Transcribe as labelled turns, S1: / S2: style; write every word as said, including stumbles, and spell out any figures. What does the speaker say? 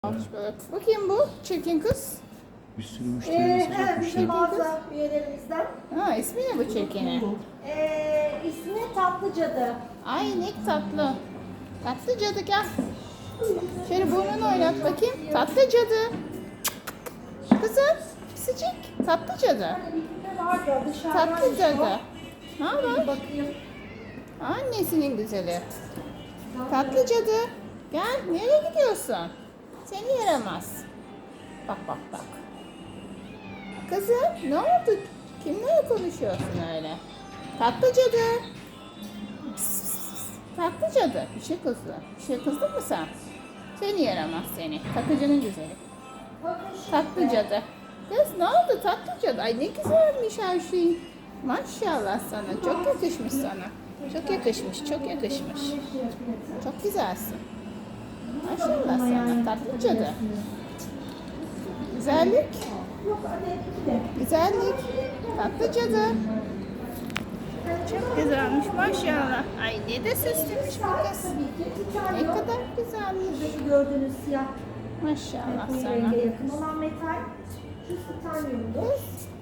S1: Almış böyle. Bakayım bu çirkin kız.
S2: Bir sürü
S3: Ee,
S2: müşterimiz
S3: evet,
S2: var.
S3: bizim mağaza üyelerimizden.
S1: Ha, ismi ne bu çirkini?
S3: Ee, ismi Tatlı Cadı.
S1: Ay ne tatlı. Tatlı cadı gel. Şöyle burnunu oynat bakayım. Tatlı cadı. Kızım pisicik. Tatlı cadı.
S3: Ne var da dışarıdan
S1: Tatlı cadı. Ne
S3: Bir
S1: haber?
S3: bakayım.
S1: Annesinin güzeli. Tatlı cadı. Gel nereye gidiyorsun? Seni yaramaz. Bak bak bak. Kızım ne oldu? Kimle konuşuyorsun öyle? Tatlı cadı. Pıs, pıs, pıs. Tatlı cadı. Bir şey kızdı. Bir şey kızdın mı sen? Seni yaramaz seni. Takıcının güzeli.
S3: Bakın şimdi.
S1: Tatlı cadı. Kız ne oldu tatlı cadı? Ay ne güzelmiş her şey. Maşallah sana. Çok yakışmış sana. Çok yakışmış, çok yakışmış. Çok güzelsin. Maşallah sana tatlı cadı. Güzellik,
S3: Yok hadi iki de.
S1: güzellik. Tatlı cadı. Çok güzelmiş maşallah. Ay ne de süslüymüş bu kız.
S3: Tabii ki bir tane
S1: Ne
S3: yok.
S1: kadar güzelmiş.
S3: Şuradaki gördüğünüz siyah
S1: Maşallah
S3: koyu
S1: sana.
S3: renge yakın olan metal. Şu titanyumdu.
S1: Kız